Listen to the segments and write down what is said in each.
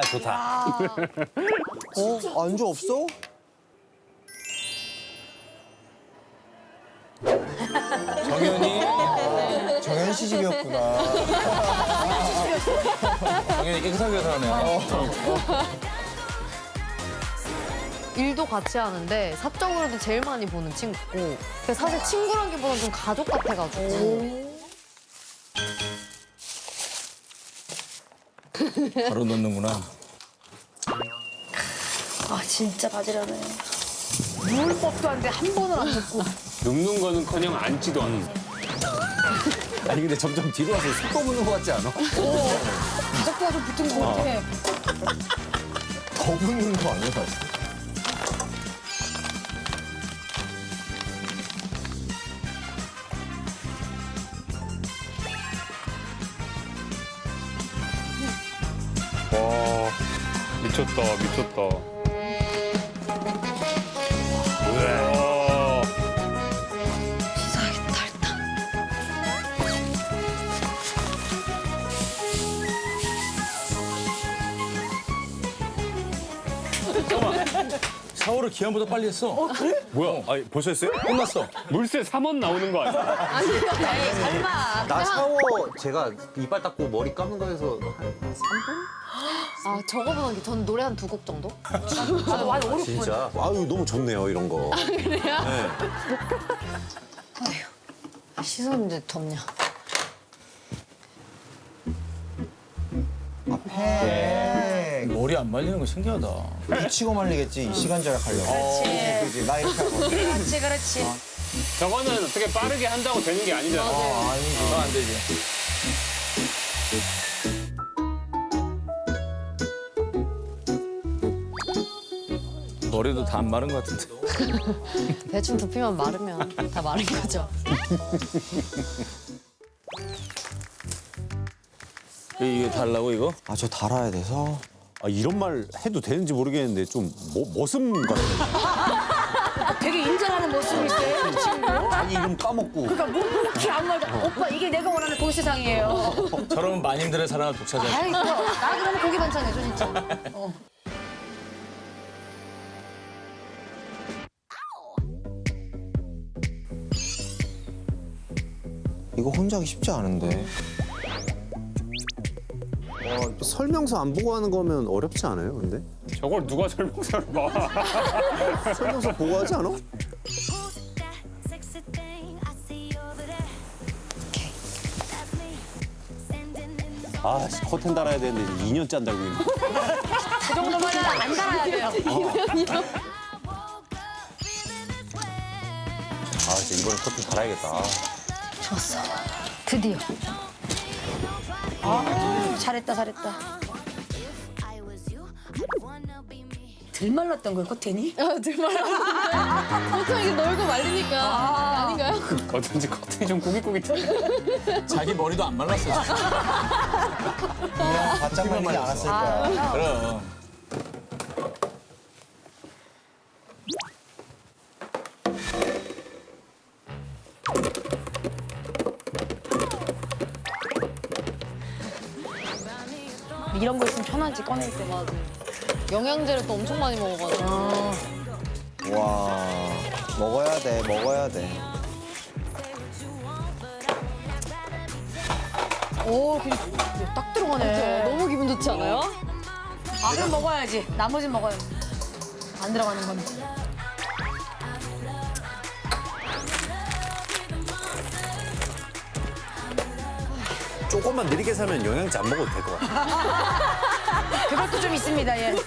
좋다. 안주 없어? 정현이 정현 씨 집이었구나. 정현이 깨끗하게 살아네요. 일도 같이 하는데 사적으로도 제일 많이 보는 친구고 사실 친구라기보다는 좀 가족 같아가지고 바로 넣는구나. 아 진짜 바지런해. 누울 법도 한데 한 번은 안 눕고. 눕는 거는커녕 앉지도 않아. 아니 근데 점점 뒤로 와서 속도 붙는 것 같지 않아? 가족과 좀 붙은 것 같아. 더 붙는 거 아니야, 사실? 와 미쳤다 미쳤다. 우와. 씻어야겠다 일단. 샤워를 기한보다 빨리 했어. 뭐야? 아니, 벌써 했어요? 끝났어. 물세 3원 나오는 거 아니야? 에이 설마. 나 샤워 제가 이빨 닦고 머리 감는 거에서 아 저거보다 저는 노래 한 2곡 정도? 나도 한 5, 6분. 진짜. 아유, 너무 좋네요, 이런 거. 씻었는데 덥냐? 팩. 머리 안 말리는 거 신기하다. 붙이고 말리겠지, 이 시간 절약하려고. 그지, 나 이렇게 하거든. 그렇지 그렇지. 저거는 어떻게 빠르게 한다고 되는 게 아니잖아. 아니지. 그건 안 되지. 머리도 다 안 마른 것 같은데. 대충 두피만 마르면 다 마른 거죠. 이게 달라고 이거? 아, 저 달아야 돼서. 아, 이런 말 해도 되는지 모르겠는데 좀 머슴 같아. 되게 인정하는 모습이 있어요 이 친구. 자기 이름 까먹고. 그러니까 뭐 이렇게 아무 말도 안- 오빠 이게 내가 원하는 도시상이에요. 저러면 마님들의 사랑을 독차지할 수 아이 나 그러면 고기 반찬 해줘 진짜. 이거 혼자 하기 쉽지 않은데. 설명서 안 보고 하는 거면 어렵지 않아요, 근데? 저걸 누가 설명서를 봐. 설명서 보고 하지 않아? 아, 커튼 달아야 되는데 2년째 안 달고 있네. 그 정도면은 안 달아야 돼요. 아, 진짜 이번에 커튼 달아야겠다. 좋았어. 드디어. 아 잘했다 잘했다. 들 말랐던 거예요 커튼이? 보통 이게 놀고 말리니까 아닌가요? 어쩐지 커튼이 좀 꾸깃꾸깃해. 자기 머리도 안 말랐어. 지금. 그냥 바짝 말리지 않았을 거야. 그럼. 이런 거 있으면 편하지 꺼낼 때. 맞아. 영양제를 또 엄청 많이 먹어가지고. 와, 먹어야 돼, 먹어야 돼. 오 그냥 딱 들어가네. 너무 기분 좋지 않아요? 아 그럼 먹어야지. 나머진 먹어야지. 안 들어가는 건. 조금만 느리게 살면 영양제 안 먹어도 될 것 같아. 그것도 좀 있습니다 예.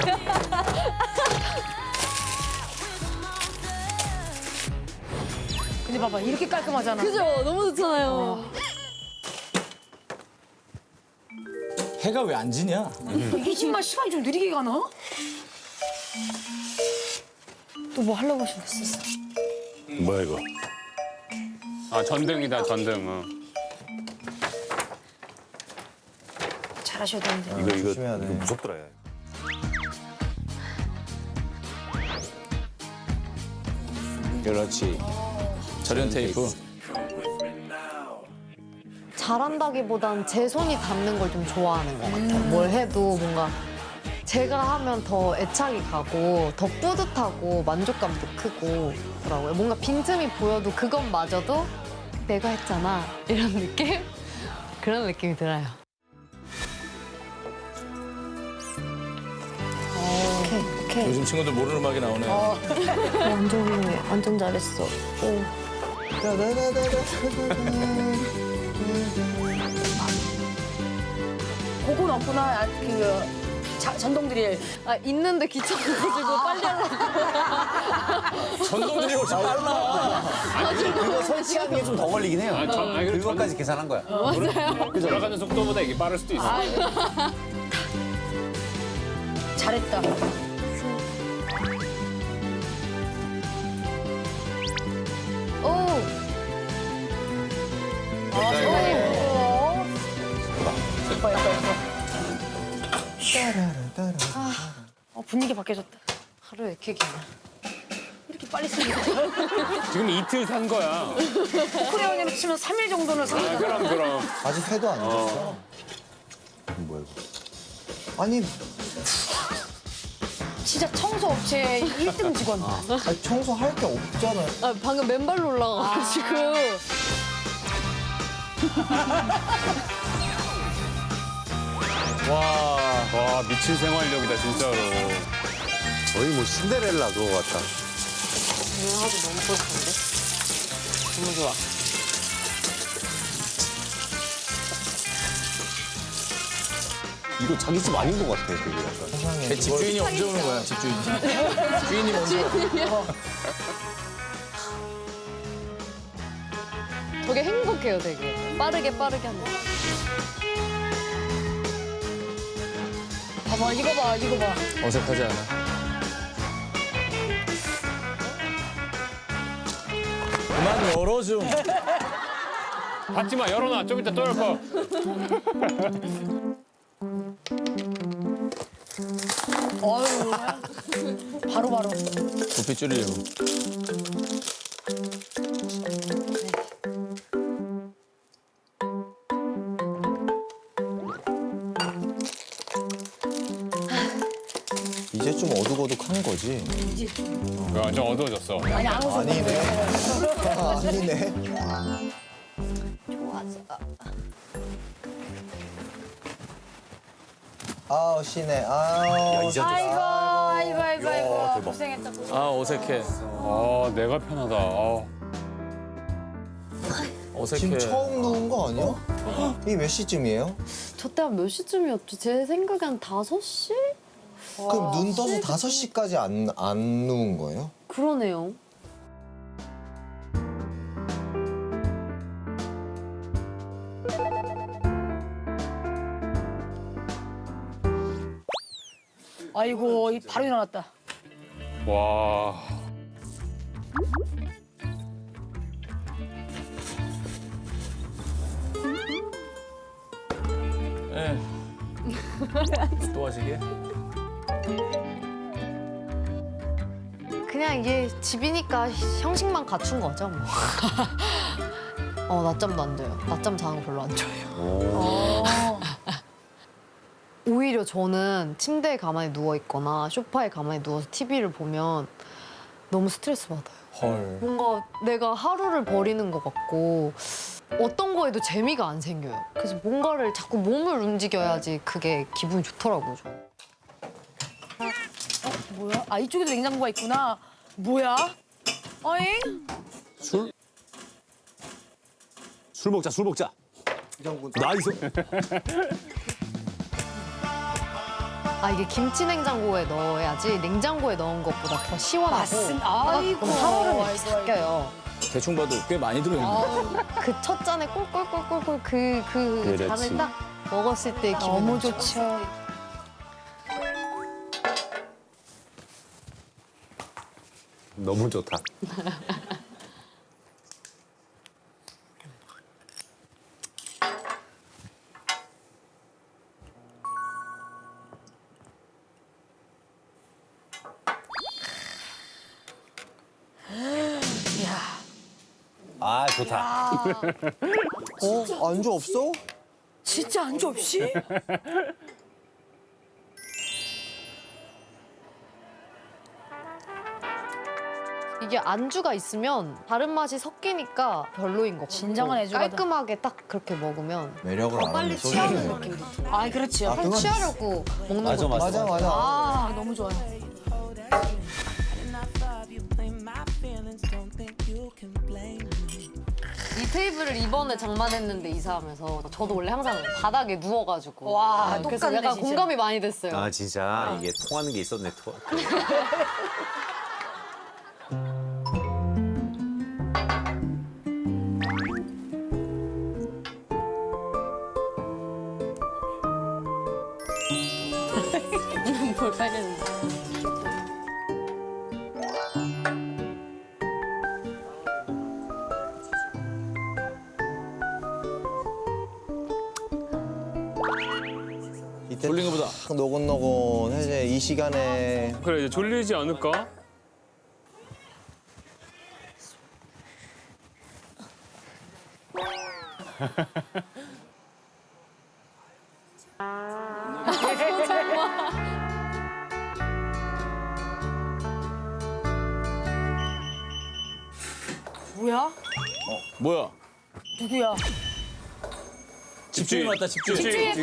근데 봐봐 이렇게 깔끔하잖아. 그죠? 너무 좋잖아요. 해가 왜 안 지냐? 이게 정말 시간이 좀 느리게 가나? 또 뭐 하려고 하셨었어? 뭐야, 이거? 아 전등이다 전등. 잘하셔야 되는데. 이거 조심해야 돼. 무섭더라, 야. 그렇지. 절연 테이프. 잘한다기보단 제 손이 닿는 걸 좀 좋아하는 것 같아요. 뭘 해도 뭔가 제가 하면 더 애착이 가고 더 뿌듯하고 만족감도 크고 그러고요. 뭔가 빈틈이 보여도 그것마저도 내가 했잖아 이런 느낌? 그런 느낌이 들어요. 오케이. 요즘 친구들 모르는 음악이 나오네. 완전 훌륭해. 완전 잘했어. 그건 없구나. 전동 드릴. 아, 있는데 귀찮아가지고 빨리 하려고. 전동들이 훨씬 빨라. 그거 설치하는 게 좀 더 걸리긴 해요. 그것까지 계산한 거야. 돌아가는 속도보다 이게 빠를 수도 있어. 잘했다. 오! 예뻐. 분위기 바뀌어졌다. 하루에 이렇게 기나. 이렇게 빨리 쓰니까. 지금 이틀 산 거야. 코레온으로 치면 3일 정도는 사는 거야. 그럼. 아직 회도 안 졌어. 뭐야 이거? 아니, 진짜 청소업체 1등 직원. 아니, 청소할 게 없잖아요. 아, 방금 맨발로 올라가가지고. 와 미친 생활력이다 진짜로. 거의 뭐 신데렐라 그거 같다. 하도 너무 뿌듯한데? 너무 좋아. 이거 자기 집 아닌 것 같아 되게 약간. 세상에. 집주인이 언제 오는 거야, 집주인이. 주인이 먼저. 저게 행복해요, 되게. 빠르게 하는 거. 봐봐, 이거 봐. 어색하지 않아. 그만 열어 좀. 닫지 마 열어놔 좀 이따 또 열 거. 어휴. 바로. 부피 줄이려고. 이제 좀 어둑어둑한 거지. 좀 어두워졌어. 아니, 안 웃어. 아니네. 아니네. 아우, 쉬네. 아우. 이제 좀 아이고. 고생했다. 아, 어색해. 아 내가 편하다. 어색해. 지금 처음 누운 거 아니야? 이게 몇 시쯤이에요? 저 때 한 몇 시쯤이었죠? 제 생각에 한 5시? 그럼 눈 떠서 5시까지 안 누운 거예요? 그러네요. 아이고, 바로 일어났다. 와. 예. 또 하시게? 그냥 이게 집이니까 형식만 갖춘 거죠, 뭐. 낮잠도 안 자요. 낮잠 자는 거 별로 안 좋아해요. 오히려 저는 침대에 가만히 누워 있거나 소파에 가만히 누워서 TV를 보면 너무 스트레스 받아요. 헐. 뭔가 내가 하루를 버리는 것 같고 어떤 거에도 재미가 안 생겨요. 그래서 뭔가를 자꾸 몸을 움직여야지 그게 기분이 좋더라고요. 저는. 뭐야? 아, 이쪽에도 냉장고가 있구나. 뭐야? 어잉? 술? 술 먹자. 나이스. 이게 김치 냉장고에 넣어야지 냉장고에 넣은 것보다 더 시원하고 맞습니다. 아이고. 그럼 살얼음이 아이고, 바뀌어요. 대충 봐도 꽤 많이 들어있네. 그 첫 잔에 꿀꿀꿀꿀꿀 그 그렇지. 잔을 딱 먹었을 때 기분 너무 좋죠. 너무 좋다. 아 좋다. 안주 없어? 진짜 안주 없이? 이게 안주가 있으면 다른 맛이 섞이니까 별로인 것 같고 진정한 애주가다. 깔끔하게 딱 그렇게 먹으면 매력을 알아내. 빨리 취하는 느낌이 들어요. 아, 그렇지. 빨리 취하려고 먹는 맞아, 거 맞아. 맞아. 아, 너무 좋아요. 이 테이블을 이번에 장만했는데 이사하면서 저도 원래 항상 바닥에 누워가지고 와, 그래서 똑같네, 약간 진짜. 공감이 많이 됐어요. 아 진짜 이게 통하는 게 있었네. 뭘 빨렸는데. 이때 졸린 거보다. 딱 노곤노곤해제 이 시간에 그래 이제 졸리지 않을까? 뭐야? 뭐야? 누구야? 집주인 왔다 집주인.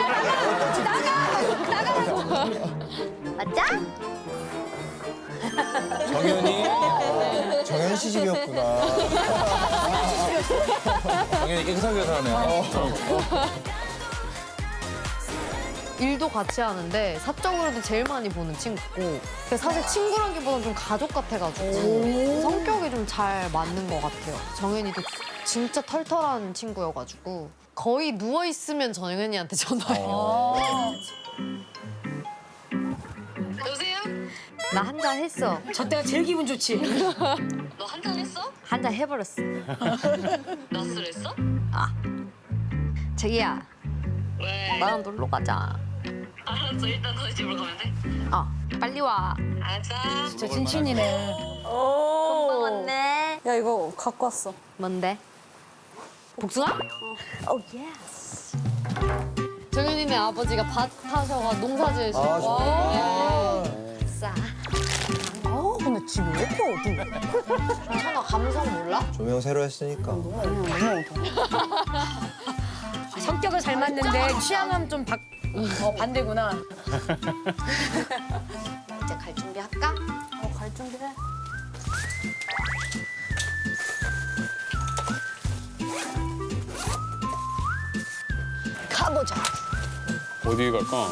맞아? 정현 씨 집이었구나. 당연히 깨끗하게 살아네. 일도 같이 하는데 사적으로도 제일 많이 보는 친구고 근데 사실 친구라기보다는 좀 가족 같아가지고 성격이 좀 잘 맞는 것 같아요. 정현이도 진짜 털털한 친구여가지고 거의 누워있으면 정현이한테 전화해요. 여보세요? 나 한 잔 했어. 저 때가 제일 기분 좋지. 너 한잔 했어? 한 잔 해버렸어. 나 술했어? 자기야 왜? 나랑 놀러 가자. 알았어, 일단 너희 집으로 가면 돼. 빨리 와. 알았어. 진짜 찐친이네. 금방 왔네. 야 이거 갖고 왔어. 뭔데? 복숭아? 오 예스. 정현이네 아버지가 밭 하셔가 농사 지으시고. 아, 좋다. 싸. 아 근데 집 왜 이렇게 어두워? 괜찮아 감성 몰라? 조명 새로 했으니까. 성격은 잘 맞는데 취향은 좀 반대구나. 이제 갈 준비 할까? 갈 준비해. 가보자. 어디 갈까?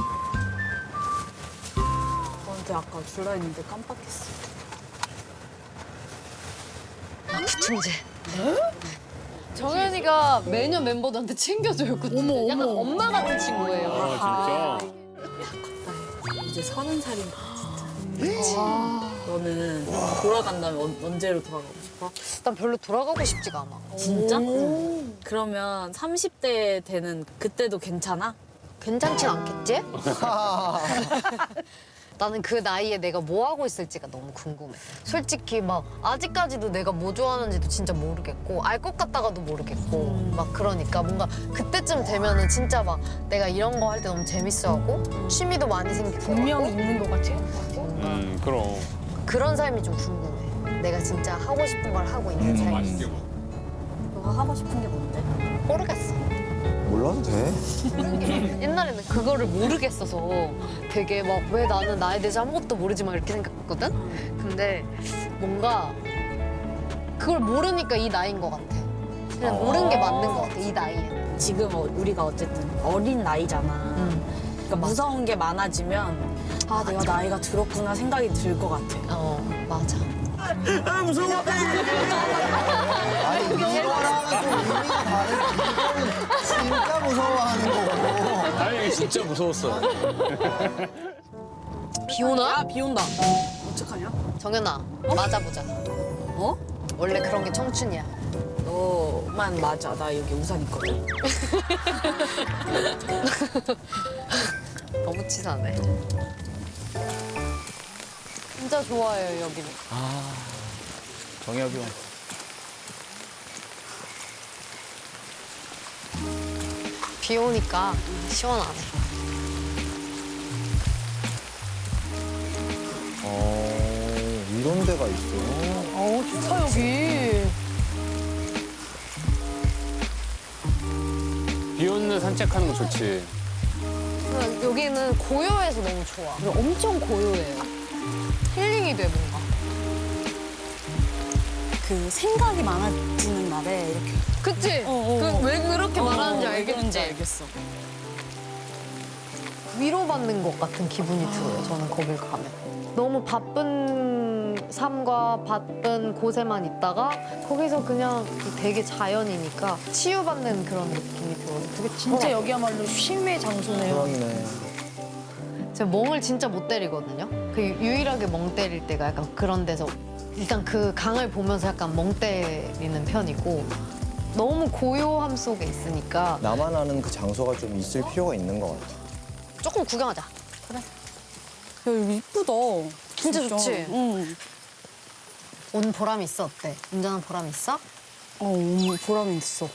너한테 아까 줄라 했는데 깜빡했어. 부침제. 정현이가 매년 멤버들한테 챙겨줘요. 어머, 약간 엄마 같은 친구예요. 아 진짜? 이제 30살인가 진짜. 너는 돌아간다면 언제로 돌아가고 싶어? 난 별로 돌아가고 싶지가 않아. 진짜? 그러면 30대 되는 그때도 괜찮아? 괜찮진 않겠지? 나는 그 나이에 내가 뭐 하고 있을지가 너무 궁금해. 솔직히 막 아직까지도 내가 뭐 좋아하는지도 진짜 모르겠고 알 것 같다가도 모르겠고 막 그러니까 뭔가 그때쯤 되면은 진짜 막 내가 이런 거 할 때 너무 재밌어하고 취미도 많이 생기고 분명히 있는 것 같아. 그럼. 그런 삶이 좀 궁금해. 내가 진짜 하고 싶은 걸 하고 있는 삶이. 너가 하고 싶은 게 뭔데? 모르겠어. 몰라도 돼. 옛날에는 그거를 모르겠어서 되게 막 왜 나는 나에 대해서 아무것도 모르지 막 이렇게 생각했거든? 근데 뭔가 그걸 모르니까 이 나이인 것 같아. 그냥 모르는 게 맞는 것 같아, 이 나이에. 지금 우리가 어쨌든 어린 나이잖아. 그러니까 무서운 게 많아지면 아 내가 나이가 들었구나 생각이 들 것 같아. 맞아. 아니 이거랑은 좀 의미가 다른. 이거는 진짜 무서워하는 거고. 아니 진짜 무서웠어. 비 오나? 야 비 온다. 어떡하냐? 정연아, 맞아보자. 어? 원래 그런 게 청춘이야. 너만 맞아. 나 여기 우산 있거든. 너무 치사하네. 진짜 좋아해요, 여기는. 정혁이 형. 비 오니까 시원하네. 이런 데가 있어요. 어우, 좋다, 여기. 비 오는 산책하는 거 좋지. 여기는 고요해서 너무 좋아. 그리고 엄청 고요해요. 힐링이 돼 뭔가. 그 생각이 많아지는 날에 이렇게 그치? 왜 그렇게 말하는지 알겠지? 알겠어. 위로받는 것 같은 기분이 들어요. 저는 거길 가면. 너무 바쁜 삶과 바쁜 곳에만 있다가 거기서 그냥 되게 자연이니까 치유받는 그런 느낌이 들어요. 되게 진짜 여기야말로 쉼의 장소네요. 그렇네. 제가 멍을 진짜 못 때리거든요. 그 유일하게 멍 때릴 때가 약간 그런 데서 일단 그 강을 보면서 약간 멍 때리는 편이고 너무 고요함 속에 있으니까 나만 아는 그 장소가 좀 있을 필요가 있는 것 같아. 조금 구경하자. 야, 여기 이쁘다. 진짜 좋지? 응. 온 보람이 있어 어때? 운전한 보람 있어? 보람이 있어.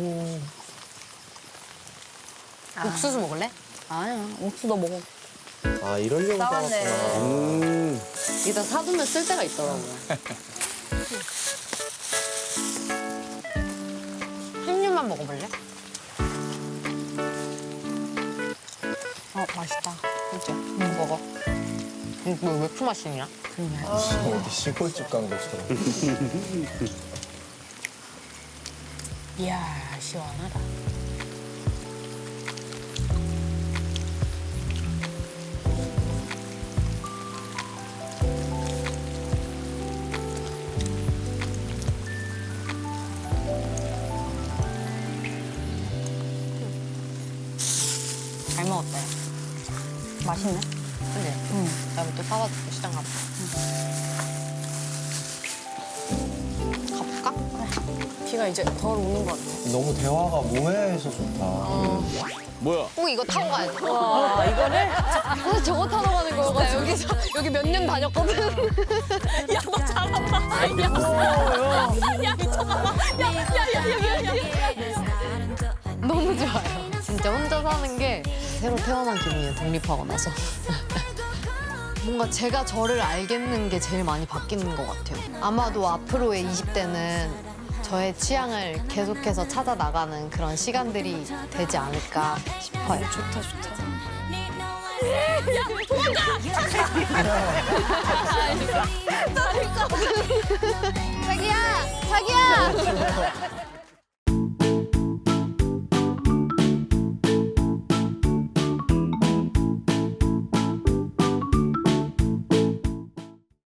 옥수수 먹을래? 아니야, 옥수 너 먹어. 아, 이러려고 싸웠네. 싸웠구나. 이따 사두면 쓸 때가 있더라고요. 한 입만 먹어볼래? 맛있다. 그치? 먹어. 이거 왜 그 맛이냐? 어디 시골집 간 것처럼. 이야, 시원하다. 잘 먹었다. 맛있네. 그치? 다음에 또 사와줄게, 시장 가서. 가볼까? 비가 이제 덜 오는 것 같아. 너무 대화가 모해해서 좋다. 뭐야? 꼭 이거 타고 가야 돼. 와, 이거를? 그래서 저거 타러 가는 거여가지고. 여기서, 여기 몇 년 다녔거든. 야, 너 잘한다. 야, 미쳐봐. 너무 좋아요. 진짜 혼자 사는 게 새로 태어난 기분이에요, 독립하고 나서. 뭔가 제가 저를 알겠는 게 제일 많이 바뀌는 것 같아요. 아마도 앞으로의 20대는 저의 취향을 계속해서 찾아 나가는 그런 시간들이 되지 않을까 싶어요. 좋다, 좋다. 자기야! 자기야!